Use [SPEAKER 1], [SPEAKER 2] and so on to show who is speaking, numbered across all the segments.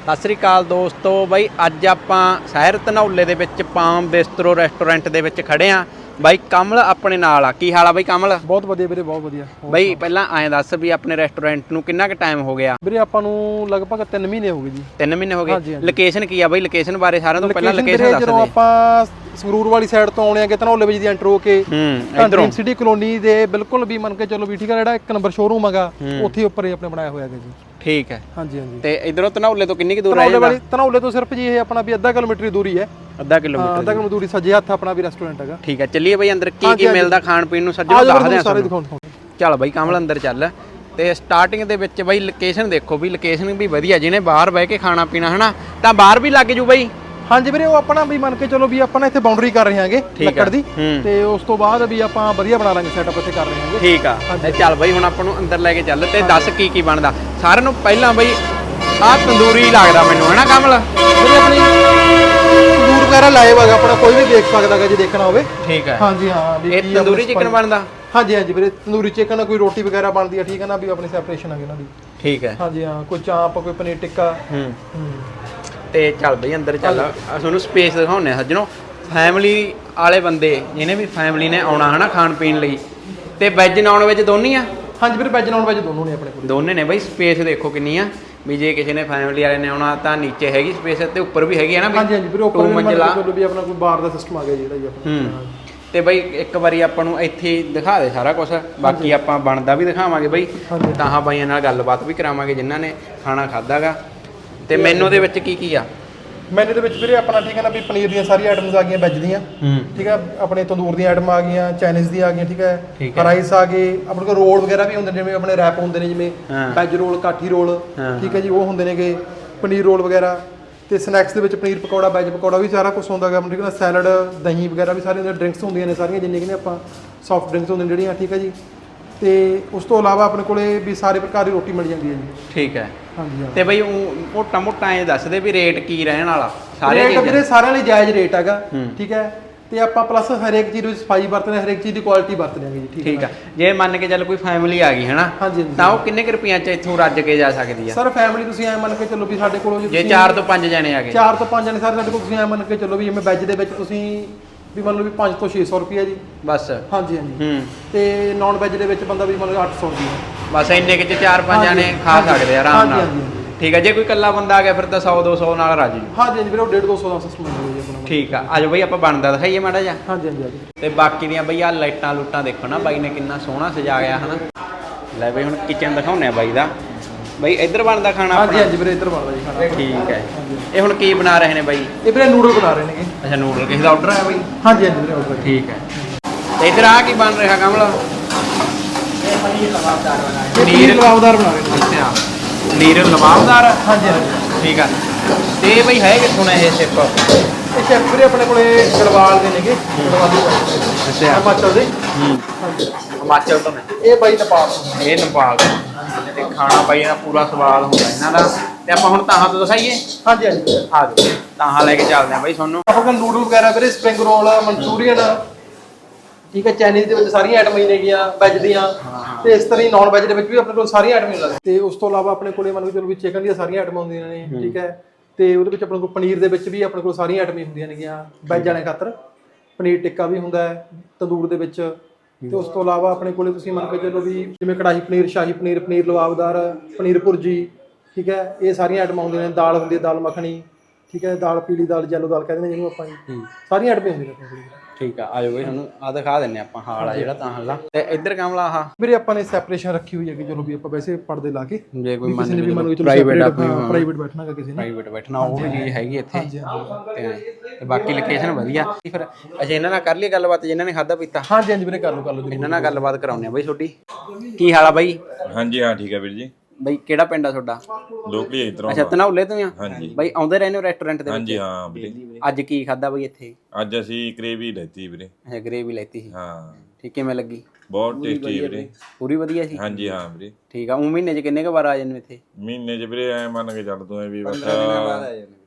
[SPEAKER 1] ਸਤਿ ਸ੍ਰੀ ਅਕਾਲ ਦੋਸਤੋ ਬਾਈ ਅੱਜ ਆਪਾਂ ਸ਼ਹਿਰ ਧਨੌਲੇ ਦੇ ਵਿੱਚ ਪਾਮ ਬਿਸਤਰੋ ਰੈਸਟੋਰੈਂਟ ਦੇ ਵਿੱਚ ਖੜੇ ਆ ਬਾਈ ਕਮਲ ਆਪਣੇ ਨਾਲ ਆ। ਕੀ ਹਾਲ ਆ ਬਾਈ ਕਮਲ?
[SPEAKER 2] ਬਹੁਤ ਵਧੀਆ ਵੀਰੇ, ਬਹੁਤ ਵਧੀਆ
[SPEAKER 1] ਬਾਈ ਪਹਿਲਾਂ ਐਂ ਦੱਸ ਵੀ ਆਪਣੇ ਰੈਸਟੋਰੈਂਟ ਨੂੰ ਕਿੰਨਾ ਕੁ ਟਾਈਮ ਹੋ ਗਿਆ?
[SPEAKER 2] ਵੀਰੇ ਆਪਾਂ ਨੂੰ ਲਗਭਗ 3 ਮਹੀਨੇ ਹੋ ਗਏ ਜੀ।
[SPEAKER 1] 3 ਮਹੀਨੇ ਹੋ ਗਏ। ਲੋਕੇਸ਼ਨ ਕੀ ਆ ਬਾਈ? ਲੋਕੇਸ਼ਨ ਬਾਰੇ ਸਾਰਿਆਂ ਤੋਂ ਪਹਿਲਾਂ ਲੋਕੇਸ਼ਨ ਦੱਸ ਦੇ।
[SPEAKER 2] ਜਦੋਂ ਆਪਾਂ ਸੰਗਰੂਰ ਵਾਲੀ ਸਾਈਡ ਤੋਂ ਆਉਣੇ ਆ ਕਿ ਧਨੌਲੇ ਵਿੱਚ ਦੀ ਐਂਟਰ ਹੋ ਕੇ ਡ੍ਰੀਮ ਸਿਟੀ ਕਲੋਨੀ ਦੇ ਬਿਲਕੁਲ ਵੀ ਮੰਨ ਕੇ ਚੱਲੋ ਵੀ ਠੀਕ ਆ, ਜਿਹੜਾ 1 ਨੰਬਰ ਸ਼ੋਰੂਮ ਹੈਗਾ ਉੱਥੇ ਉੱਪਰ ਹੀ ਆਪਣੇ ਬਣਾਇਆ ਹੋਇਆ ਹੈਗਾ ਜੀ।
[SPEAKER 1] ਠੀਕ ਹੈ।
[SPEAKER 2] ਹਾਂਜੀ ਹਾਂਜੀ।
[SPEAKER 1] ਤੇ ਇਧਰੋਂ ਧਨੌਲੇ ਤੋਂ ਕਿੰਨੀ ਕੁ ਦੂਰ ਹੈ?
[SPEAKER 2] ਧਨੌਲੇ ਤੋਂ ਸਿਰਫ ਜੀ ਇਹ ਆਪਣਾ ਵੀ ਅੱਧਾ ਕਿਲੋਮੀਟਰ ਦੀ ਦੂਰੀ ਹੈ।
[SPEAKER 1] ਅੱਧਾ ਕਿਲੋਮੀਟਰ
[SPEAKER 2] ਦੂਰੀ ਸੱਜੇ ਹੱਥ ਆਪਣਾ ਵੀ ਰੈਸਟੋਰੈਂਟ ਹੈਗਾ।
[SPEAKER 1] ਠੀਕ ਹੈ, ਚੱਲੀਏ ਬਾਈ ਅੰਦਰ ਕੀ ਕੀ ਮਿਲਦਾ ਖਾਣ ਪੀਣ ਨੂੰ ਸੱਜਣੋਂ ਦੱਸਦੇ ਆ
[SPEAKER 2] ਸਾਰੇ
[SPEAKER 1] ਸਾਨੂੰ। ਚੱਲ ਬਾਈ ਕਮਲ ਅੰਦਰ ਚੱਲ। ਤੇ ਸਟਾਰਟਿੰਗ ਦੇ ਵਿੱਚ ਬਾਈ ਲੋਕੇਸ਼ਨ ਦੇਖੋ ਵੀ ਲੋਕੇਸ਼ਨ ਵੀ ਵਧੀਆ, ਜਿਹਨੇ ਬਾਹਰ ਬਹਿ ਕੇ ਖਾਣਾ ਪੀਣਾ ਹਨਾ ਤਾਂ ਬਾਹਰ ਵੀ ਲੱਗ ਜੂ ਬਾਈ। ਹਾਂਜੀ
[SPEAKER 2] ਵੀਰੇ, ਉਹ ਆਪਣਾ ਵੀ ਮੰਨ ਕੇ ਚਲੋ ਵੀ ਆਪਾਂ ਇੱਥੇ ਬਾਉਂਡਰੀ ਕਰ ਰਹੇ ਹਾਂਗੇ ਲੱਕੜ ਦੀ, ਤੇ ਉਸ ਤੋਂ ਬਾਅਦ ਵੀ ਆਪਾਂ ਵਧੀਆ ਬਣਾ ਲਾਂਗੇ ਸੈਟਅਪ ਇੱਥੇ ਕਰ ਰਹੇ ਹਾਂਗੇ। ਠੀਕ
[SPEAKER 1] ਆ। ਤੇ ਚੱਲ ਬਾਈ ਹੁਣ ਆਪਾਂ ਨੂੰ ਅੰਦਰ ਲੈ ਕੇ ਚੱਲ ਤੇ ਦੱਸ ਕੀ ਕੀ ਬਣਦਾ ਸਾਰਿਆਂ ਨੂੰ। ਪਹਿਲਾਂ ਬਾਈ ਆਹ ਤੰਦੂਰੀ ਲੱਗਦਾ ਮੈਨੂੰ ਹਨਾ ਕਮਲ?
[SPEAKER 2] ਵੀਰੇ ਆਪਣੀ ਤੰਦੂਰ ਵਗੈਰਾ ਲਾਈਵ ਹੈਗਾ ਆਪਣਾ, ਕੋਈ ਵੀ ਦੇਖ ਸਕਦਾ ਹੈਗਾ ਜੇ ਦੇਖਣਾ ਹੋਵੇ।
[SPEAKER 1] ਠੀਕ ਹੈ।
[SPEAKER 2] ਹਾਂਜੀ ਹਾਂ।
[SPEAKER 1] ਇਹ ਤੰਦੂਰੀ ਚਿਕਨ ਬਣਦਾ?
[SPEAKER 2] ਹਾਂਜੀ ਹਾਂਜੀ ਵੀਰੇ, ਤੰਦੂਰੀ ਚਿਕਨ, ਕੋਈ ਰੋਟੀ ਵਗੈਰਾ ਬਣਦੀ ਆ, ਠੀਕ ਹੈ ਨਾ, ਵੀ ਆਪਣੀ ਸੈਪਰੇਸ਼ਨ ਹੈਗੀ ਇਹਨਾਂ ਦੀ।
[SPEAKER 1] ਠੀਕ ਹੈ।
[SPEAKER 2] ਹਾਂਜੀ ਹਾਂ, ਕੋਈ ਚਾਂਪ, ਕੋਈ ਪਨੀਰ ਟਿੱਕਾ।
[SPEAKER 1] ਤੇ ਚੱਲ ਬਈ ਅੰਦਰ ਚੱਲ, ਤੁਹਾਨੂੰ ਸਪੇਸ ਦਿਖਾਉਂਦੇ ਆ ਸੱਜਣੋ। ਫੈਮਿਲੀ ਵਾਲੇ ਬੰਦੇ ਜਿਹਨੇ ਵੀ ਫੈਮਿਲੀ ਨੇ ਆਉਣਾ ਹਨਾ ਖਾਣ ਪੀਣ ਲਈ, ਤੇ ਵੈਜ ਨਾਨ ਵੈਜ ਦੋਨੀ ਆ?
[SPEAKER 2] ਹਾਂਜੀ ਵੀਰੇ, ਵੈਜ ਨਾਨ ਵੈਜ ਦੋਨੋਂ ਨੇ ਆਪਣੇ ਕੋਲ।
[SPEAKER 1] ਦੋਨੇ ਨੇ ਬਈ। ਸਪੇਸ ਦੇਖੋ ਕਿੰਨੀ ਆ, ਵੀ ਜੇ ਕਿਸੇ ਨੇ ਫੈਮਿਲੀ ਵਾਲੇ ਨੇ ਆਉਣਾ ਤਾਂ ਨੀਚੇ ਹੈਗੀ ਸਪੇਸ ਤੇ ਉੱਪਰ ਵੀ ਹੈਗੀ ਹੈ ਨਾ?
[SPEAKER 2] ਹਾਂਜੀ ਹਾਂਜੀ ਵੀਰੇ, ਉੱਪਰ ਮੰਜ਼ਿਲਾ ਵੀ ਆਪਣਾ ਕੋਈ ਬਾਰ ਦਾ ਸਿਸਟਮ ਆ ਗਿਆ ਜਿਹੜਾ ਜੀ ਆਪਣਾ।
[SPEAKER 1] ਤੇ ਬਈ ਇੱਕ ਵਾਰੀ ਆਪਾਂ ਨੂੰ ਇੱਥੇ ਦਿਖਾ ਦੇ ਸਾਰਾ ਕੁਝ, ਬਾਕੀ ਆਪਾਂ ਬਣਦਾ ਵੀ ਦਿਖਾਵਾਂਗੇ ਬਈ। ਤਾਂ ਬਾਈਆਂ ਨਾਲ ਗੱਲਬਾਤ ਵੀ ਕਰਾਵਾਂਗੇ ਜਿਨ੍ਹਾਂ ਨੇ ਖਾਣਾ ਖਾਦਾਗਾ। ਤੇ ਮੈਨੂ ਦੇ ਵਿੱਚ ਕੀ ਕੀ ਆ?
[SPEAKER 2] ਮੈਨੂ ਦੇ ਵਿੱਚ ਵੀਰੇ ਆਪਣਾ ਠੀਕ ਹੈ ਨਾ ਵੀ ਪਨੀਰ ਦੀਆਂ ਸਾਰੀਆਂ ਆਈਟਮਸ ਆ ਗਈਆਂ, ਵੈਜ ਦੀਆਂ। ਠੀਕ ਹੈ, ਆਪਣੇ ਤੰਦੂਰ ਦੀਆਂ ਆਈਟਮਾਂ ਆ ਗਈਆਂ, ਚਾਈਨੀਜ਼ ਦੀਆਂ ਆ ਗਈਆਂ। ਠੀਕ ਹੈ, ਰਾਈਸ ਆ ਗਏ, ਆਪਣੇ ਕੋਲ ਰੋਲ ਵਗੈਰਾ ਵੀ ਹੁੰਦੇ ਨੇ, ਜਿਵੇਂ ਆਪਣੇ ਰੈਪ ਹੁੰਦੇ ਨੇ, ਜਿਵੇਂ ਵੈਜ ਰੋਲ, ਕਾਠੀ ਰੋਲ, ਠੀਕ ਹੈ ਜੀ, ਉਹ ਹੁੰਦੇ ਨੇਗੇ, ਪਨੀਰ ਰੋਲ ਵਗੈਰਾ। ਤੇ ਸਨੈਕਸ ਦੇ ਵਿੱਚ ਪਨੀਰ ਪਕੌੜਾ, ਵੈਜ ਪਕੌੜਾ ਵੀ ਸਾਰਾ ਕੁਝ ਹੁੰਦਾ ਹੈਗਾ। ਠੀਕ ਹੈ, ਸੈਲਡ, ਦਹੀਂ ਵਗੈਰਾ ਵੀ ਸਾਰੀਆਂ ਡਰਿੰਕਸ ਹੁੰਦੀਆਂ ਨੇ ਸਾਰੀਆਂ, ਜਿੰਨੀਆਂ ਕਿ ਆਪਾਂ ਸੌਫਟ ਡਰਿੰਕਸ ਹੁੰਦੀਆਂ ਜਿਹੜੀਆਂ। ਠੀਕ ਹੈ ਜੀ। ਤੇ ਉਸ ਤੋਂ ਇਲਾਵਾ ਆਪਣੇ ਕੋਲੇ ਵੀ ਸਾਰੇ ਪ੍ਰਕਾਰ ਦੀ ਰੋਟੀ ਮਿਲ ਜਾਂਦੀ ਹੈ ਜੀ। ਠੀਕ ਹੈ। ਹਾਂਜੀ ਹਾਂ।
[SPEAKER 1] ਤੇ ਬਈ ਮੋਟਾ ਮੋਟਾ ਇਹ ਦੱਸ ਦੇ ਵੀ ਰੇਟ ਕੀ ਰਹਿਣ ਵਾਲਾ?
[SPEAKER 2] ਸਾਰੇ ਵੀਰੇ ਸਾਰਿਆਂ ਲਈ ਜਾਇਜ਼ ਰੇਟ ਹੈਗਾ। ਠੀਕ ਹੈ, ਤੇ ਆਪਾਂ ਪਲੱਸ ਹਰੇਕ ਚੀਜ਼ ਵਿੱਚ ਸਫਾਈ ਵਰਤਦੇ, ਹਰੇਕ ਚੀਜ਼ ਦੀ ਕੁਆਲਿਟੀ ਵਰਤਦੇ ਹਾਂ ਜੀ।
[SPEAKER 1] ਠੀਕ ਆ। ਜੇ ਮੰਨ ਕੇ ਚੱਲ ਕੋਈ ਫੈਮਿਲੀ ਆ ਗਈ ਹਨਾ, ਤਾਂ ਉਹ ਕਿੰਨੇ ਕੁ ਰੁਪਈਆਂ 'ਚ ਇੱਥੋਂ ਰੱਜ ਕੇ ਜਾ ਸਕਦੀ ਆ?
[SPEAKER 2] ਸਰ ਫੈਮਿਲੀ ਤੁਸੀਂ ਐ ਮੰਨ ਕੇ ਚੱਲੋ ਵੀ ਸਾਡੇ ਕੋਲੋਂ
[SPEAKER 1] ਜੇ 4 ਤੋਂ 5 ਜਣੇ ਆ ਗਏ?
[SPEAKER 2] 4 ਤੋਂ 5 ਜਣੇ ਸਾਰੇ ਸਾਡੇ ਕੋਲ ਤੁਸੀਂ ਐ ਮੰਨ ਕੇ ਚੱਲੋ ਵੀ ਜਿਵੇਂ ਵੈਜ ਦੇ ਵਿੱਚ ਤੁਸੀਂ ਵੀ ਮੰਨ ਲਓ ਵੀ 500 ਤੋਂ 600 ਰੁਪਈਆ ਜੀ ਬਸ। ਹਾਂਜੀ ਹਾਂਜੀ। ਤੇ ਨਾਨ ਵੈਜ ਦੇ ਵਿੱਚ ਬੰਦਾ ਵੀ ਮੰਨ ਲਓ 800 ਰੁਪਈਆ ਬਸ।
[SPEAKER 1] ਇੰਨੇ ਕਿ 4-5 ਜਣੇ ਖਾ ਸਕਦੇ ਆ ਆਰਾਮ ਨਾਲ। ਠੀਕ ਹੈ। ਜੇ ਕੋਈ ਇਕੱਲਾ ਬੰਦਾ ਆ ਗਿਆ ਫਿਰ ਤਾਂ 100-200 ਨਾਲ ਰੱਜ ਜੂ? ਹਾਂਜੀ
[SPEAKER 2] ਹਾਂਜੀ ਵੀਰੇ, ਉਹ 150-200 ਦਾ ਸਿਸਟਮ ਹੁੰਦਾ ਜੀ ਆਪਣਾ।
[SPEAKER 1] ਠੀਕ ਆ। ਆਜੋ ਬਈ ਆਪਾਂ ਬਣਦਾ ਦਿਖਾਈਏ ਮਾੜਾ ਜਿਹਾ।
[SPEAKER 2] ਹਾਂਜੀ ਹਾਂਜੀ।
[SPEAKER 1] ਤੇ ਬਾਕੀ ਦੀਆਂ ਬਈ ਆ ਲਾਈਟਾਂ ਲੂਟਾਂ ਦੇਖੋ ਨਾ, ਬਾਈ ਨੇ ਕਿੰਨਾ ਸੋਹਣਾ ਸਜਾ ਗਿਆ ਹਨਾ। ਲੈ ਬਈ ਹੁਣ ਕਿਚਨ ਦਿਖਾਉਂਦੇ ਆ ਬਾਈ ਦਾ। ਬਈ ਇੱਧਰ ਬਣਦਾ ਖਾਣਾ?
[SPEAKER 2] ਹਾਂਜੀ ਹਾਂਜੀ ਵੀਰੇ, ਇੱਧਰ ਬਣਦਾ ਜੀ ਖਾਣਾ।
[SPEAKER 1] ਠੀਕ ਹੈ। ਇਹ ਹੁਣ ਕੀ ਬਣਾ ਰਹੇ ਨੇ ਬਾਈ?
[SPEAKER 2] ਇਹ ਵੀਰੇ ਨੂਡਲ ਬਣਾ ਰਹੇ ਨੇਗੇ।
[SPEAKER 1] ਅੱਛਾ, ਨੂਡਲ ਕਿਸੇ ਦਾ ਆਰਡਰ ਆਇਆ ਬਾਈ?
[SPEAKER 2] ਹਾਂਜੀ ਹਾਂਜੀ ਵੀਰੇ, ਆਰਡਰ। ਠੀਕ ਹੈ।
[SPEAKER 1] ਤੇ ਇੱਧਰ ਆ ਕੀ ਬਣ ਰਿਹਾ ਕਮਲ?
[SPEAKER 2] ਪਨੀਰ ਲਵਾਬਦਾਰ ਬਣਾ ਰਹੇ ਨੇ।
[SPEAKER 1] ਅੱਛਾ, ਪਨੀਰ ਲਵਾਬਦਾਰ।
[SPEAKER 2] ਹਾਂਜੀ ਹਾਂਜੀ।
[SPEAKER 1] ਠੀਕ ਆ। ਤੇ ਬਈ ਹੈ ਕਿੱਥੋਂ ਨੇ ਇਹ ਸ਼ੈਫ?
[SPEAKER 2] ਇਹ ਸ਼ੈਫ ਵੀਰੇ ਆਪਣੇ ਕੋਲੇ ਗੜਵਾਲ ਦੇ ਨੇਗੇ। ਅੱਛਾ, ਹਿਮਾਚਲ ਦੇ।
[SPEAKER 1] ਹਿਮਾਚਲ ਤੋਂ ਨੇ
[SPEAKER 2] ਇਹ ਬਾਈ ਨੇਪਾਲ ਤੋਂ।
[SPEAKER 1] ਇਹ ਨੇਪਾਲ ਤੋਂ। ਤੇ ਖਾਣਾ ਬਾਈ ਦਾ ਪੂਰਾ ਸਵਾਦ ਹੁੰਦਾ ਇਹਨਾਂ ਦਾ। ਤੇ ਆਪਾਂ ਹੁਣ ਤਾਹਾਂ ਤੋਂ ਦਿਖਾਈਏ? ਹਾਂਜੀ ਹਾਂਜੀ। ਆ ਜਾਓ, ਤਾਹਾਂ ਲੈ ਕੇ ਚੱਲਦੇ ਆ ਬਾਈ ਤੁਹਾਨੂੰ।
[SPEAKER 2] ਆਪਾਂ ਕੋਲ ਨੂਡਲ ਵਗੈਰਾ ਵੀਰੇ, ਸਪਰਿੰਗ ਰੋਲ, ਮਨਚੂਰੀਅਨ, ਠੀਕ ਹੈ, ਚਾਈਨੀਜ਼ ਦੇ ਵਿੱਚ ਸਾਰੀਆਂ ਆਈਟਮਾਂ ਹੀ ਨੇਗੀਆਂ, ਵੈਜ ਦੀਆਂ। ਤੇ ਇਸ ਤਰ੍ਹਾਂ ਹੀ ਨਾਨ ਵੈਜ ਦੇ ਵਿੱਚ ਵੀ ਆਪਣੇ ਕੋਲ ਸਾਰੀਆਂ ਆਈਟਮਾਂ ਮਿਲਦੀਆਂ। ਤੇ ਉਸ ਤੋਂ ਇਲਾਵਾ ਆਪਣੇ ਕੋਲੇ ਮੰਨ ਕੇ ਚਲੋ ਵੀ ਚਿਕਨ ਦੀਆਂ ਸਾਰੀਆਂ ਆਈਟਮਾਂ ਹੁੰਦੀਆਂ ਨੇ। ਠੀਕ ਹੈ, ਤੇ ਉਹਦੇ ਵਿੱਚ ਆਪਣੇ ਕੋਲ ਪਨੀਰ ਦੇ ਵਿੱਚ ਵੀ ਆਪਣੇ ਕੋਲ ਸਾਰੀਆਂ ਆਈਟਮਾਂ ਹੁੰਦੀਆਂ ਨੇਗੀਆਂ ਵੈਜ ਵਾਲੇ ਖਾਤਰ। ਪਨੀਰ ਟਿੱਕਾ ਵੀ ਹੁੰਦਾ ਹੈ ਤੰਦੂਰ ਦੇ ਵਿੱਚ। ਤੇ ਉਸ ਤੋਂ ਇਲਾਵਾ ਆਪਣੇ ਕੋਲੇ ਤੁਸੀਂ ਮੰਨ ਕੇ ਚਲੋ ਵੀ ਜਿਵੇਂ ਕੜਾਹੀ ਪਨੀਰ, ਸ਼ਾਹੀ ਪਨੀਰ, ਪਨੀਰ ਲਵਾਬਦਾਰ, ਪਨੀਰ ਭੁਰਜੀ, ਠੀਕ ਹੈ, ਇਹ ਸਾਰੀਆਂ ਆਈਟਮਾਂ ਹੁੰਦੀਆਂ ਨੇ। ਦਾਲ ਹੁੰਦੀ ਹੈ, ਦਾਲ ਮੱਖਣੀ, ਠੀਕ ਹੈ, ਦਾਲ ਪੀਲੀ ਦਾਲ, ਯੈਲੋ ਦਾਲ ਕਹਿੰਦੇ ਨੇ ਜਿਹਨੂੰ ਆਪਾਂ ਜੀ। ਸਾਰੀਆਂ ਆਈਟਮਾਂ ਹੁੰਦੀਆਂ ਨੇ ਆਪਣੇ ਕੋਲ। ਠੀਕ ਆ। ਆਜੋ ਬਈ ਤੁਹਾਨੂੰ ਆ ਦਿਖਾ ਦਿੰਨੇ ਆਪਾਂ ਹਾਲ ਆ ਜਿਹੜਾ ਤਾਂ ਹੱਲਾ। ਤੇ ਇੱਧਰ ਕਮਲਾ ਆਹ ਵੀਰੇ ਆਪਾਂ ਨੇ ਸੈਪਰੇਸ਼ਨ ਰੱਖੀ ਹੋਈ ਹੈ ਕਿ ਚਲੋ ਵੀ ਆਪਾਂ ਵੈਸੇ ਪਰਦੇ ਲਾ ਕੇ, ਜੇ ਕੋਈ ਕਿਸੇ ਨੇ ਵੀ ਮੰਨ ਲਓ ਪ੍ਰਾਈਵੇਟ ਬੈਠਣਾ ਹੈ, ਕਿਸੇ ਨੇ ਪ੍ਰਾਈਵੇਟ ਬੈਠਣਾ, ਉਹ ਵੀ ਚੀਜ਼ ਹੈਗੀ ਇੱਥੇ। ਤੇ ਬਾਕੀ ਲੋਕੇਸ਼ਨ ਵਧੀਆ। ਫਿਰ ਅੱਛਾ, ਇਹਨਾਂ ਨਾਲ ਕਰ ਲਈ ਗੱਲਬਾਤ ਜਿਨ੍ਹਾਂ ਨੇ ਖਾਧਾ ਪੀਤਾ? ਹਾਂਜੀ ਹਾਂਜੀ ਵੀਰੇ, ਕਰ ਲਓ ਇਹਨਾਂ ਨਾਲ ਗੱਲਬਾਤ ਕਰਾਉਂਦੇ ਆ ਬਈ ਤੁਹਾਡੀ। ਕੀ ਹਾਲ ਆ ਬਾਈ?
[SPEAKER 3] ਹਾਂਜੀ ਹਾਂ, ਠੀਕ ਹੈ ਵੀਰ ਜੀ।
[SPEAKER 1] ਬਈ ਕਿਹੜਾ ਪਿੰਡ ਆ ਤੁਹਾਡਾ?
[SPEAKER 3] ਲੋਕਲੀ ਇੱਧਰੋਂ।
[SPEAKER 1] ਅੱਛਾ, ਧਨੌਲੇ ਤੋਂ ਆ?
[SPEAKER 3] ਹਾਂਜੀ
[SPEAKER 1] ਬਾਈ ਆਉਂਦੇ ਰਹਿੰਦੇ ਹੋ ਰੈਸਟੋਰੈਂਟ ਦੇ ਵਿੱਚ?
[SPEAKER 3] ਹਾਂਜੀ ਹਾਂ ਵੀਰੇ।
[SPEAKER 1] ਅੱਜ ਕੀ ਖਾਧਾ ਬਈ ਇੱਥੇ?
[SPEAKER 3] ਅੱਜ ਅਸੀਂ ਗ੍ਰੇਵੀ ਲੈਤੀ ਵੀਰੇ।
[SPEAKER 1] ਅੱਛਾ, ਗ੍ਰੇਵੀ ਲੈਤੀ ਸੀ।
[SPEAKER 3] ਹਾਂ।
[SPEAKER 1] ਠੀਕ, ਕਿਵੇਂ ਲੱਗੀ?
[SPEAKER 3] ਬਹੁਤ ਟੇਸਟੀ ਵੀਰੇ।
[SPEAKER 1] ਪੂਰੀ ਵਧੀਆ ਸੀ?
[SPEAKER 3] ਹਾਂਜੀ ਹਾਂ ਵੀਰੇ।
[SPEAKER 1] ਠੀਕ ਆ। ਉਹ ਮਹੀਨੇ 'ਚ ਕਿੰਨੇ ਕੁ ਵਾਰ ਆ ਜਾਂਦੇ ਇੱਥੇ?
[SPEAKER 3] ਮਹੀਨੇ 'ਚ ਵੀਰੇ ਐ ਮੰਨ ਕੇ ਚੱਲ ਤੂੰ ਵੀ ਬਸ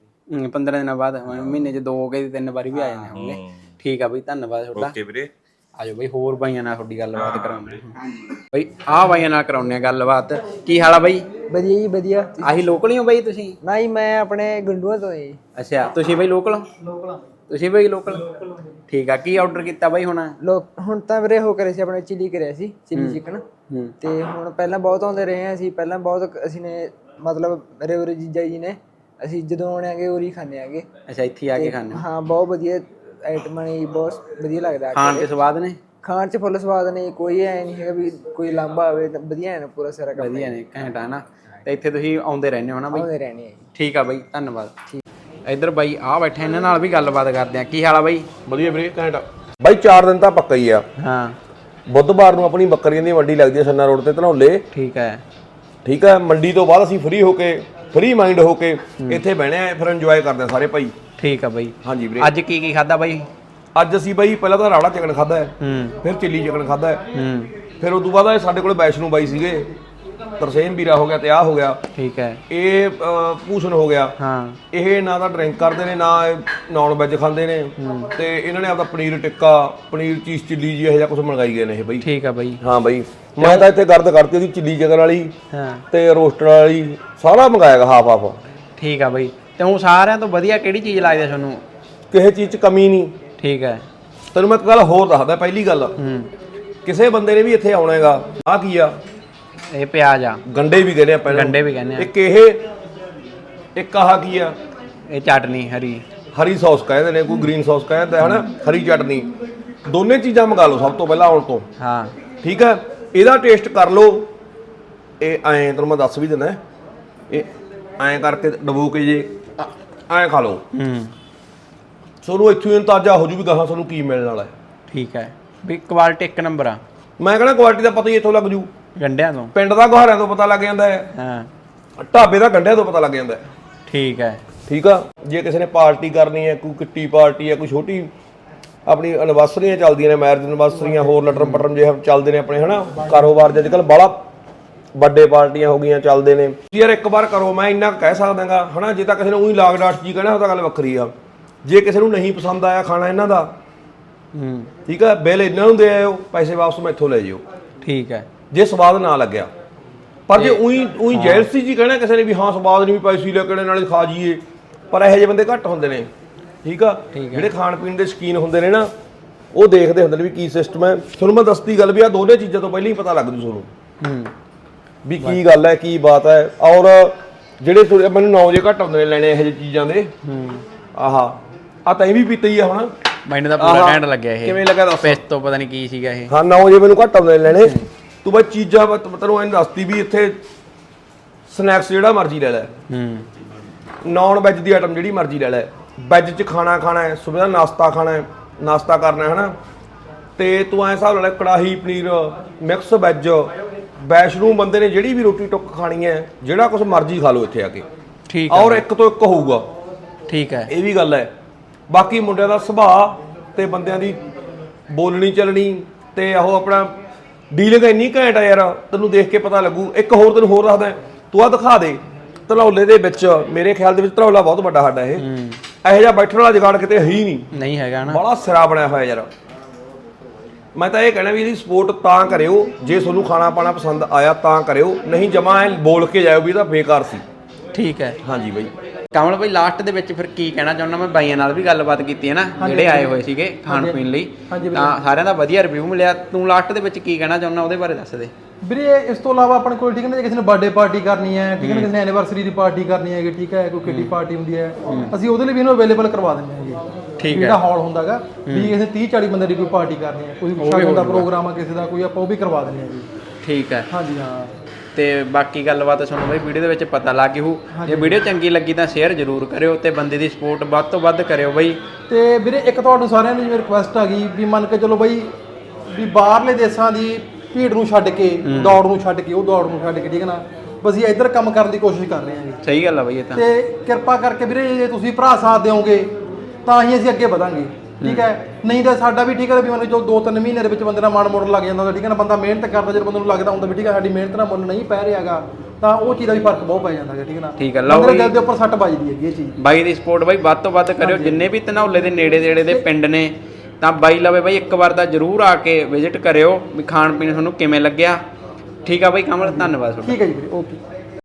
[SPEAKER 1] 15 ਦਿਨਾਂ ਬਾਅਦ। ਮਹੀਨੇ 'ਚ 2 ਕੇ 3 ਵਾਰੀ ਵੀ ਆ ਜਾਂਦੇ ਹੋਣਗੇ। ਠੀਕ ਆ ਬਈ, ਧੰਨਵਾਦ ਤੁਹਾਡਾ।
[SPEAKER 3] ਓਕੇ ਵੀਰੇ।
[SPEAKER 1] ਆਜੋ ਬਈ ਹੋਰ ਬਾਈਆਂ ਨਾਲ ਤੁਹਾਡੀ ਗੱਲਬਾਤ ਕਰਾਉਂਦੇ ਬਈ ਆਹ ਬਾਈਆਂ ਨਾਲ ਕਰਾਉਂਦੇ ਆ ਗੱਲਬਾਤ। ਕੀ ਹਾਲ ਆ ਬਈ?
[SPEAKER 4] ਵਧੀਆ ਜੀ ਵਧੀਆ।
[SPEAKER 1] ਆਹੀ ਲੋਕਲ ਹੀ ਹੋ ਬਈ ਤੁਸੀਂ?
[SPEAKER 4] ਨਹੀਂ ਮੈਂ ਆਪਣੇ ਗੰਡੂਆਂ ਤੋਂ ਜੀ।
[SPEAKER 1] ਅੱਛਾ ਤੁਸੀਂ ਬਈ ਲੋਕਲ? ਤੁਸੀਂ ਬਈ ਲੋਕਲ ਠੀਕ ਆ। ਕੀ ਆਰਡਰ ਕੀਤਾ ਬਈ ਹੁਣ?
[SPEAKER 4] ਹੁਣ ਤਾਂ ਵੀਰੇ ਉਹ ਕਰੇ ਸੀ ਆਪਣੇ ਚਿੱਲੀ ਕਰਿਆ ਸੀ, ਚਿੱਲੀ ਚਿਕਨ। ਤੇ ਹੁਣ ਪਹਿਲਾਂ ਬਹੁਤ ਆਉਂਦੇ ਰਹੇ ਹਾਂ ਅਸੀਂ, ਪਹਿਲਾਂ ਬਹੁਤ ਅਸੀਂ ਨੇ ਮਤਲਬ ਮੇਰੇ ਉਰੇ ਜੀਜਾ ਜੀ ਨੇ, ਅਸੀਂ ਜਦੋਂ ਆਉਣੇ ਆਗੇ ਉਰੀ ਖਾਂਦੇ ਆਗੇ।
[SPEAKER 1] ਅੱਛਾ ਇੱਥੇ ਆ ਕੇ ਖਾਂਦੇ?
[SPEAKER 4] ਹਾਂ ਬਹੁਤ ਵਧੀਆ ਆਈਟਮਾਂ ਨੇ, ਬਹੁਤ ਵਧੀਆ ਲੱਗਦਾ
[SPEAKER 1] ਖਾਣ ਤੇ ਸਵਾਦ ਨੇ?
[SPEAKER 4] ਖਾਣ ਚ ਫੁੱਲ ਸਵਾਦ ਨੇ, ਕੋਈ ਐ ਨਹੀਂ ਹੈਗਾ ਵੀ ਕੋਈ ਲਾਂਭਾ ਹੋਵੇ, ਵਧੀਆ ਹੈ ਪੂਰਾ ਸਾਰਾ ਕੰਮ।
[SPEAKER 1] ਵਧੀਆ ਨੇ ਘੈਂਟ ਆ ਨਾ। ਤੇ ਇੱਥੇ ਤੁਸੀਂ ਆਉਂਦੇ ਰਹਿੰਦੇ ਹੋ ਨਾ ਬਈ?
[SPEAKER 4] ਆਉਂਦੇ ਰਹਿਣੇ ਆ ਜੀ।
[SPEAKER 1] ਠੀਕ ਆ ਬਈ ਧੰਨਵਾਦ। ਇੱਧਰ ਬਾਈ ਆ ਬੈਠੇ, ਇਹਨਾਂ ਨਾਲ ਵੀ ਗੱਲਬਾਤ ਕਰਦੇ ਆ। ਕੀ ਹਾਲ ਆ ਬਾਈ?
[SPEAKER 5] ਵਧੀਆ ਵੀਰੇ ਘੈਂਟ ਬਾਈ। 4 ਦਿਨ ਤਾਂ ਪੱਕਾ ਹੀ ਆ।
[SPEAKER 1] ਹਾਂ
[SPEAKER 5] ਬੁੱਧਵਾਰ ਨੂੰ ਆਪਣੀ ਬੱਕਰੀਆਂ ਦੀ ਮੰਡੀ ਲੱਗਦੀ ਹੈ ਸੰਨਾ ਰੋਡ ਤੇ ਧਨੌਲੇ।
[SPEAKER 1] ਠੀਕ ਹੈ।
[SPEAKER 5] ਠੀਕ ਹੈ, ਮੰਡੀ ਤੋਂ ਬਾਅਦ ਅਸੀਂ ਫ੍ਰੀ ਮਾਈਂਡ ਹੋ ਕੇ ਇੱਥੇ ਬਹਿਣੇ ਆ, ਫਿਰ ਇੰਜੋਏ ਕਰਦੇ ਆ ਸਾਰੇ ਭਾਈ।
[SPEAKER 1] ਠੀਕ ਆ ਬਾਈ।
[SPEAKER 5] ਹਾਂਜੀ ਵੀਰੇ।
[SPEAKER 1] ਅੱਜ ਕੀ ਖਾਦਾ ਬਾਈ?
[SPEAKER 5] ਅੱਜ ਅਸੀਂ ਬਾਈ ਪਹਿਲਾਂ ਤਾਂ ਰਾੜਾ ਚਿਕਨ ਖਾਦਾ ਹੈ, ਫਿਰ ਚਿੱਲੀ ਚਿਕਨ ਖਾਦਾ ਹੈ, ਫਿਰ ਉਸ ਤੋਂ ਬਾਅਦ ਸਾਡੇ ਕੋਲ ਵੈਸ਼ਨੂ ਬਾਈ ਸੀਗੇ, ਤਰਸੇਮ ਵੀਰਾ ਹੋ ਗਿਆ ਤੇ ਆ ਹੋ ਗਿਆ। ਠੀਕ ਹੈ। ਇਹ ਭੂਸ਼ਣ ਹੋ ਗਿਆ। ਹਾਂ। ਇਹ ਨਾ ਤਾਂ ਡਰਿੰਕ ਕਰਦੇ ਨੇ, ਨਾ ਨੌਨ ਵੈਜ ਖਾਂਦੇ ਨੇ, ਤੇ ਇਹਨਾਂ ਨੇ ਆਪਦਾ ਪਨੀਰ ਟਿੱਕਾ, ਪਨੀਰ ਚੀਜ਼ ਚਿੱਲੀ ਜੀ ਇਹੋ ਜਿਹਾ ਕੁਝ ਮੰਗਾਈ ਗਏ ਨੇ ਇਹ ਬਾਈ। ਠੀਕ ਆ ਬਾਈ। ਹਾਂ ਬਾਈ ਮੈਂ ਤਾਂ ਇੱਥੇ ਗਰਦ ਕਰਤੀ ਉਹਦੀ ਚਿੱਲੀ ਚਿਕਨ ਵਾਲੀ ਤੇ ਰੋਸਟਰ ਵਾਲੀ, ਸਾਰਾ ਮੰਗਾਇਆਗਾ ਹਾਫ।
[SPEAKER 1] ਠੀਕ ਆ ਬਾਈ। ਤੇ ਹੁਣ ਸਾਰਿਆਂ ਤੋਂ ਵਧੀਆ ਕਿਹੜੀ ਚੀਜ਼ ਲੱਗਦੀ ਤੁਹਾਨੂੰ?
[SPEAKER 5] ਕਿਸੇ ਚੀਜ਼ 'ਚ ਕਮੀ ਨਹੀਂ। ਠੀਕ ਹੈ। ਤੈਨੂੰ ਮੈਂ ਇੱਕ ਗੱਲ ਹੋਰ ਦੱਸਦਾ। ਪਹਿਲੀ ਗੱਲ, ਕਿਸੇ ਬੰਦੇ ਨੇ ਵੀ ਇੱਥੇ ਆਉਣਾ ਹੈਗਾ, ਆਹ ਕੀ ਆ?
[SPEAKER 1] ਇਹ ਪਿਆਜ਼ ਆ।
[SPEAKER 5] ਗੰਡੇ ਵੀ ਕਹਿੰਦੇ ਆਪਾਂ,
[SPEAKER 1] ਗੰਡੇ ਵੀ ਕਹਿੰਦੇ ਆ।
[SPEAKER 5] ਇੱਕ ਆਹ ਕੀ ਆ?
[SPEAKER 1] ਇਹ ਚਟਨੀ ਹਰੀ
[SPEAKER 5] ਸੌਸ ਕਹਿੰਦੇ ਨੇ, ਕੋਈ ਗ੍ਰੀਨ ਸੌਸ ਕਹਿੰਦਾ ਹੈ ਨਾ, ਹਰੀ ਚਟਨੀ। ਦੋਨੇ ਚੀਜ਼ਾਂ ਮੰਗਾ ਲਓ ਸਭ ਤੋਂ ਪਹਿਲਾਂ ਆਉਣ ਤੋਂ। ਹਾਂ ਠੀਕ ਹੈ। ਇਹਦਾ ਟੇਸਟ ਕਰ ਲਓ। ਇਹ ਐਂ ਤੈਨੂੰ ਮੈਂ ਦੱਸ ਵੀ ਦਿੰਦਾ, ਇਹ ਐਂ ਕਰਕੇ ਡਬੋ ਕੇ ਜੇ ਐਂ ਖਾ ਲਓ, ਤੁਹਾਨੂੰ ਇੱਥੋਂ ਅੰਦਾਜ਼ਾ ਹੋ ਜੂ ਵੀ ਗਾਹਾਂ ਤੁਹਾਨੂੰ ਕੀ ਮਿਲਣ ਵਾਲਾ ਹੈ। ਠੀਕ ਹੈ ਵੀ ਕੁਆਲਿਟੀ ਇੱਕ ਨੰਬਰ ਆ। ਮੈਂ ਕਹਿੰਦਾ ਕੁਆਲਿਟੀ ਦਾ ਪਤਾ ਹੀ ਇੱਥੋਂ ਲੱਗ ਜੂ। ਗੰਡਿਆਂ ਤੋਂ, ਪਿੰਡ ਦਾ ਗੁਹਾਰਿਆਂ ਤੋਂ ਪਤਾ ਲੱਗ ਜਾਂਦਾ ਹੈ। ਹਾਂ। ਢਾਬੇ ਦਾ ਗੰਡਿਆਂ ਤੋਂ ਪਤਾ ਲੱਗ ਜਾਂਦਾ ਹੈ। ਠੀਕ ਹੈ। ਠੀਕ ਆ। ਜੇ ਕਿਸੇ ਨੇ ਪਾਰਟੀ ਕਰਨੀ ਹੈ, ਕੋਈ ਕਿੱਟੀ ਪਾਰਟੀ ਹੈ, ਕੋਈ ਛੋਟੀ ਆਪਣੀ ਐਨਵਰਸਰੀਆਂ ਚੱਲਦੀਆਂ ਨੇ, ਮੈਰਿਜ ਐਨਵਰਸਰੀਆਂ, ਹੋਰ ਲਟਰਮ ਪਟਰਮ ਜੇ ਚੱਲਦੇ ਨੇ ਆਪਣੇ ਹਨਾ ਕਾਰੋਬਾਰ, ਅੱਜ ਕੱਲ੍ਹ ਬਾਹਲਾ ਵੱਡੇ ਪਾਰਟੀਆਂ ਹੋ ਗਈਆਂ ਚੱਲਦੇ ਨੇ। ਯਾਰ ਇੱਕ ਵਾਰ ਕਰੋ, ਮੈਂ ਇੰਨਾ ਕਹਿ ਸਕਦਾਗਾ ਹਨਾ। ਜੇ ਤਾਂ ਕਿਸੇ ਨੇ ਉਹੀ ਲਾਗ ਡਾਟ ਜੀ ਕਹਿਣਾ ਉਹ ਤਾਂ ਗੱਲ ਵੱਖਰੀ ਆ। ਜੇ ਕਿਸੇ ਨੂੰ ਨਹੀਂ ਪਸੰਦ ਆਇਆ ਖਾਣਾ ਇਹਨਾਂ ਦਾ, ਠੀਕ ਹੈ, ਬਿੱਲ ਇਹਨਾਂ ਨੂੰ ਦੇ ਆਇਓ, ਪੈਸੇ ਵਾਪਸ ਮੈਥੋਂ ਲੈ ਜਿਓ। ਠੀਕ ਹੈ। ਜੇ ਸਵਾਦ ਨਾ ਲੱਗਿਆ, ਪਰ ਜੇ ਉਹੀ ਜੈਲਸੀ ਜੀ ਕਹਿਣਾ ਕਿਸੇ ਨੇ ਵੀ ਹਾਂ ਸਵਾਦ ਨਹੀਂ, ਵੀ ਪੈਸੇ ਲੈ ਕੇ ਨਾਲੇ ਖਾ ਜੀਏ, ਪਰ ਇਹੋ ਜਿਹੇ ਬੰਦੇ ਘੱਟ ਹੁੰਦੇ ਨੇ। ਠੀਕ ਆ। ਜਿਹੜੇ ਖਾਣ ਪੀਣ ਦੇ ਸ਼ੌਕੀਨ ਹੁੰਦੇ ਨੇ ਨਾ, ਉਹ ਦੇਖਦੇ ਹੁੰਦੇ ਨੇ ਵੀ ਕੀ ਸਿਸਟਮ ਹੈ। ਤੁਹਾਨੂੰ ਮੈਂ ਦੱਸਦੀ ਗੱਲ ਵੀ ਆਹ ਦੋਨੇ ਚੀਜ਼ਾਂ ਤੋਂ ਪਹਿਲਾਂ ਹੀ ਪਤਾ ਲੱਗ ਜੂ ਤੁਹਾਨੂੰ ਵੀ ਕੀ ਗੱਲ ਹੈ, ਕੀ ਬਾਤ ਹੈ। ਔਰ ਜਿਹੜੇ ਮੈਨੂੰ ਨੌ ਜੇ ਘੱਟ ਹੁੰਦੇ ਨੇ ਲੈਣੇ ਇਹੋ ਜਿਹੇ ਚੀਜ਼ਾਂ ਦੇ, ਆਹ ਤਾਂ ਇਹ ਵੀ ਪੀਤਾ ਹੀ ਆ ਹੁਣ। ਮੈਨੂੰ ਤਾਂ ਪੂਰਾ ਘੈਂਟ ਲੱਗਿਆ ਇਹ। ਕਿਵੇਂ ਲੱਗਾ ਦੱਸ? ਪਿਸਤੋ ਪਤਾ ਨਹੀਂ ਕੀ ਸੀਗਾ ਇਹ। ਹਾਂ 9 ਜੇ ਮੈਨੂੰ ਘੱਟ ਆਉਂਦੇ ਨੇ ਲੈਣੇ। ਤੂੰ ਬਈ ਚੀਜ਼ਾਂ ਤੈਨੂੰ ਐਂ ਦੱਸਦੀ ਵੀ ਇੱਥੇ ਸਨੈਕਸ ਜਿਹੜਾ ਮਰਜ਼ੀ ਲੈ ਲੈ, ਨੌਨ ਵੈਜ ਦੀ ਆਈਟਮ ਜਿਹੜੀ ਮਰਜ਼ੀ ਲੈ ਲੈ, ਵੈਜ 'ਚ ਖਾਣਾ ਹੈ, ਸਵੇਰ ਦਾ ਨਾਸ਼ਤਾ ਖਾਣਾ ਹੈ, ਨਾਸ਼ਤਾ ਕਰਨਾ ਹੈ ਨਾ, ਤੇ ਤੂੰ ਐਂ ਹਿਸਾਬ ਨਾਲ ਕੜਾਹੀ ਪਨੀਰ, ਮਿਕਸ ਵੈਜ, ਵੈਸ਼ਨੂ ਬੰਦੇ ਨੇ ਜਿਹੜੀ ਵੀ ਰੋਟੀ ਟੁੱਕ ਖਾਣੀ ਹੈ, ਜਿਹੜਾ ਕੁਝ ਮਰਜ਼ੀ ਖਾ ਲਓ ਇੱਥੇ ਆ ਕੇ। ਠੀਕ ਹੈ। ਔਰ ਇੱਕ ਤੋਂ ਇੱਕ ਹੋਊਗਾ। ਠੀਕ ਹੈ। ਇਹ ਵੀ ਗੱਲ ਹੈ। ਬਾਕੀ ਮੁੰਡਿਆਂ ਦਾ ਸੁਭਾਅ ਤੇ ਬੰਦਿਆਂ ਦੀ ਬੋਲਣੀ ਚੱਲਣੀ ਤੇ ਉਹ ਆਪਣਾ ਡੀਲਿੰਗ ਇੰਨੀ ਘੈਂਟ ਆ ਯਾਰ, ਤੈਨੂੰ ਦੇਖ ਕੇ ਪਤਾ ਲੱਗੂ। ਇੱਕ ਹੋਰ ਤੈਨੂੰ ਹੋਰ ਦੱਸਦਾ, ਤੂੰ ਆ ਦਿਖਾ ਦੇ ਧਨੌਲੇ ਦੇ ਵਿੱਚ, ਮੇਰੇ ਖਿਆਲ ਦੇ ਵਿੱਚ ਧਨੌਲਾ ਬਹੁਤ ਵੱਡਾ ਸਾਡਾ ਇਹ, ਇਹੋ ਜਿਹਾ ਬੈਠਣ ਵਾਲਾ ਜੁਗਾੜ ਕਿਤੇ ਹੈ ਹੀ ਨਹੀਂ ਹੈਗਾ ਨਾ। ਬੜਾ ਸਿਰਾ ਬਣਿਆ ਹੋਇਆ ਯਾਰ। ਮੈਂ ਤਾਂ ਇਹ ਕਹਿਣਾ ਵੀ ਇਹਦੀ ਸਪੋਰਟ ਤਾਂ ਕਰਿਓ ਜੇ ਤੁਹਾਨੂੰ ਖਾਣਾ ਪਾਣਾ ਪਸੰਦ ਆਇਆ ਤਾਂ ਕਰਿਓ, ਨਹੀਂ ਜਮਾ ਐ ਬੋਲ ਕੇ ਜਾਇਓ ਵੀ ਇਹ ਤਾਂ ਬੇਕਾਰ ਸੀ। ਠੀਕ ਹੈ। ਹਾਂਜੀ ਬਾਈ। ਕਮਲ ਬਾਈ ਲਾਸਟ ਦੇ ਵਿੱਚ ਫਿਰ ਕੀ ਕਹਿਣਾ ਚਾਹੁੰਦਾ? ਮੈਂ ਬਾਈਆਂ ਨਾਲ ਵੀ ਗੱਲਬਾਤ ਕੀਤੀ ਹੈ ਨਾ, ਜਿਹੜੇ ਆਏ ਹੋਏ ਸੀਗੇ ਖਾਣ ਪੀਣ ਲਈ, ਤਾਂ ਸਾਰਿਆਂ ਦਾ ਵਧੀਆ ਰਿਵਿਊ ਮਿਲਿਆ। ਤੂੰ ਲਾਸਟ ਦੇ ਵਿੱਚ ਕੀ ਕਹਿਣਾ ਚਾਹੁੰਦਾ ਉਹਦੇ ਬਾਰੇ ਦੱਸ ਦੇ
[SPEAKER 2] ਵੀਰੇ। ਇਸ ਤੋਂ ਇਲਾਵਾ ਆਪਣੇ ਕੋਲ ਠੀਕ ਹੈ ਨਾ, ਜੇ ਕਿਸੇ ਨੇ ਬਰਥਡੇ ਪਾਰਟੀ ਕਰਨੀ ਹੈ, ਠੀਕ ਹੈ ਨਾ, ਕਿਸੇ ਨੇ ਐਨੀਵਰਸਰੀ ਦੀ ਪਾਰਟੀ ਕਰਨੀ ਹੈਗੀ, ਠੀਕ ਹੈ, ਕੋਈ ਕਿੱਟੀ ਪਾਰਟੀ ਹੁੰਦੀ ਹੈ, ਅਸੀਂ ਉਹਦੇ ਲਈ ਵੀ ਇਹਨੂੰ ਅਵੇਲੇਬਲ ਕਰਵਾ ਦਿੰਦੇ ਹੈਗੇ। ਜਿਹੜਾ ਹਾਲ ਹੁੰਦਾਗਾ ਵੀ ਕਿਸੇ 30-40 ਬੰਦੇ ਦੀ ਕੋਈ ਪਾਰਟੀ ਕਰਨੀ ਹੈ, ਕੋਈ ਸ਼ਗਨ ਦਾ ਪ੍ਰੋਗਰਾਮ ਆ ਕਿਸੇ ਦਾ, ਕੋਈ ਆਪਾਂ ਉਹ ਵੀ ਕਰਵਾ ਦਿੰਦੇ ਹੈਗੇ। ਠੀਕ ਹੈ। ਹਾਂਜੀ ਹਾਂ। ਤੇ ਬਾਕੀ ਗੱਲਬਾਤ ਤੁਹਾਨੂੰ ਬਈ ਵੀਡੀਓ ਦੇ ਵਿੱਚ ਪਤਾ ਲੱਗ ਗਈ। ਜੇ ਵੀਡੀਓ ਚੰਗੀ ਲੱਗੀ ਤਾਂ ਸ਼ੇਅਰ ਜ਼ਰੂਰ ਕਰਿਓ ਤੇ ਬੰਦੇ ਦੀ ਸਪੋਰਟ ਵੱਧ ਤੋਂ ਵੱਧ ਕਰਿਓ ਬਈ। ਤੇ ਵੀਰੇ ਇੱਕ ਤੁਹਾਨੂੰ ਸਾਰਿਆਂ ਨੂੰ ਜਿਵੇਂ ਰਿਕੁਐਸਟ ਆ ਗਈ ਵੀ ਮੰਨ ਕੇ ਚਲੋ ਬਈ ਵੀ ਬਾਹਰਲੇ ਦੇਸ਼ਾਂ ਦੀ ਭੀੜ ਨੂੰ ਛੱਡ ਕੇ, ਦੌੜ ਨੂੰ ਛੱਡ ਕੇ, ਉਹ ਦੌੜ ਨੂੰ ਛੱਡ ਕੇ, ਠੀਕ ਹੈ ਨਾ, ਅਸੀਂ ਇੱਧਰ ਕੰਮ ਕਰਨ ਦੀ ਕੋਸ਼ਿਸ਼ ਕਰ ਰਹੇ ਹਾਂ ਜੀ। ਸਹੀ ਗੱਲ ਆ ਬਈ ਇਹ ਤਾਂ। ਤੇ ਕਿਰਪਾ ਕਰਕੇ ਵੀਰੇ ਜੇ ਤੁਸੀਂ ਭਰਾ ਸਾਥ ਦਿਓਗੇ ਤਾਂ ਹੀ ਅਸੀਂ ਅੱਗੇ ਵਧਾਂਗੇ। ਠੀਕ ਹੈ। ਨਹੀਂ ਤਾਂ ਸਾਡਾ ਵੀ ਠੀਕ ਹੈ ਵੀ ਮੈਨੂੰ ਜੋ 2-3 ਮਹੀਨੇ ਦੇ ਵਿੱਚ ਬੰਦੇ ਦਾ ਮਨ ਮੋੜਨ ਲੱਗ ਜਾਂਦਾ ਹੁੰਦਾ, ਠੀਕ ਹੈ ਨਾ, ਬੰਦਾ ਮਿਹਨਤ ਕਰਦਾ, ਜਦੋਂ ਬੰਦੇ ਨੂੰ ਲੱਗਦਾ ਹੁੰਦਾ ਵੀ ਠੀਕ ਹੈ ਸਾਡੀ ਮਿਹਨਤ ਦਾ ਮੁੱਲ ਨਹੀਂ ਪੈ ਰਿਹਾਗਾ, ਤਾਂ ਉਹ ਚੀਜ਼ ਦਾ ਵੀ ਫਰਕ ਬਹੁਤ ਪੈ ਜਾਂਦਾ ਹੈ। ਠੀਕ ਹੈ ਨਾ। ਠੀਕ ਹੈ। ਲਓ ਦਿਲ ਦੇ ਉੱਪਰ ਸੱਟ ਵੱਜਦੀ ਹੈਗੀ ਇਹ ਚੀਜ਼। ਬਾਈ ਦੀ ਸਪੋਰਟ ਬਾਈ ਵੱਧ ਤੋਂ ਵੱਧ ਕਰਿਓ। ਜਿੰਨੇ ਵੀ ਧਨੌਲੇ ਦੇ ਨੇੜੇ ਤੇੜੇ ਦੇ ਪਿੰਡ ਨੇ
[SPEAKER 1] ਤਾਂ ਬਾਈ ਲਵੇ ਬਾਈ ਇੱਕ ਵਾਰ ਤਾਂ ਜ਼ਰੂਰ ਆ ਕੇ ਵਿਜ਼ਿਟ ਕਰਿਓ ਵੀ ਖਾਣ ਪੀਣ ਤੁਹਾਨੂੰ ਕਿਵੇਂ ਲੱਗਿਆ। ਠੀਕ ਆ ਬਾਈ ਕਮਲ, ਧੰਨਵਾਦ ਤੁਹਾਡਾ।
[SPEAKER 2] ਠੀਕ ਹੈ ਜੀ ਵੀਰੇ, ਓਕੇ।